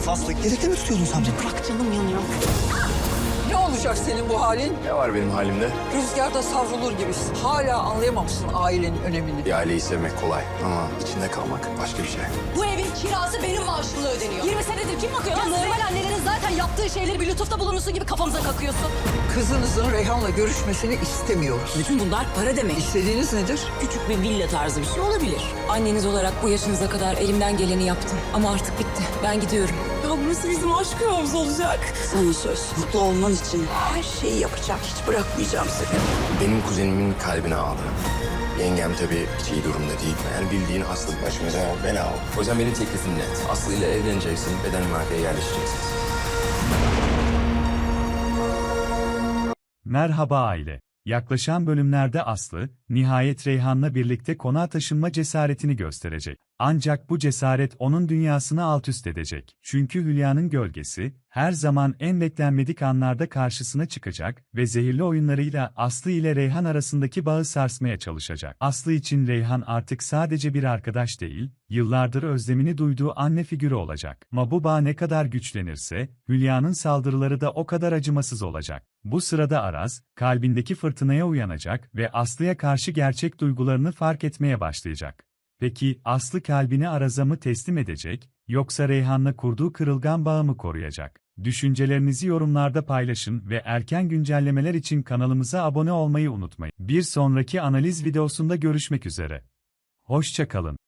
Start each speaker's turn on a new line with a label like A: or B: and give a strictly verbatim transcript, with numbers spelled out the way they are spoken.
A: Öf Aslı, yedekte mi tutuyordun sen beni?
B: Bırak canım yanıyor.
C: Ne olacak senin bu halin?
D: Ne var benim halimde?
C: Rüzgarda savrulur gibisin. Hala anlayamamışsın ailenin önemini.
D: Bir aileyi sevmek kolay ama içinde kalmak başka bir şey.
B: Bu evin kirası benim maaşımla ödeniyor. yirmi senedir kim bakıyor? Ya normal annelerin zaten yaptığı şeyleri bir lütufta bulunursun gibi kafamıza kakıyorsun.
C: Kızınızın Reyhan'la görüşmesini istemiyoruz.
E: Bütün bunlar para demek.
C: İstediğiniz nedir?
E: Küçük bir villa tarzı bir şey olabilir. Anneniz olarak bu yaşınıza kadar elimden geleni yaptım. Ama artık bitti. Ben gidiyorum. Ya burası bizim aşk yuvamız olacak.
F: Sana söz. Mutlu olman için her şeyi yapacağım. Hiç bırakmayacağım seni.
D: Benim kuzenimin kalbine aldı. Yengem tabii hiç iyi durumda değil. Yani bildiğin Aslı başımıza bela oldu. O yüzden benim teklifim net. Aslı ile evleneceksin ve Danimarka'ya yerleşeceksin.
G: Merhaba aile. Yaklaşan bölümlerde Aslı, nihayet Reyhan'la birlikte konağa taşınma cesaretini gösterecek. Ancak bu cesaret onun dünyasını altüst edecek. Çünkü Hülya'nın gölgesi, her zaman en beklenmedik anlarda karşısına çıkacak ve zehirli oyunlarıyla Aslı ile Reyhan arasındaki bağı sarsmaya çalışacak. Aslı için Reyhan artık sadece bir arkadaş değil, yıllardır özlemini duyduğu anne figürü olacak. Ama bu bağ ne kadar güçlenirse, Hülya'nın saldırıları da o kadar acımasız olacak. Bu sırada Araz, kalbindeki fırtınaya uyanacak ve Aslı'ya karşı gerçek duygularını fark etmeye başlayacak. Peki Aslı kalbini Araz'a mı teslim edecek, yoksa Reyhan'la kurduğu kırılgan bağı mı koruyacak? Düşüncelerinizi yorumlarda paylaşın ve erken güncellemeler için kanalımıza abone olmayı unutmayın. Bir sonraki analiz videosunda görüşmek üzere. Hoşça kalın.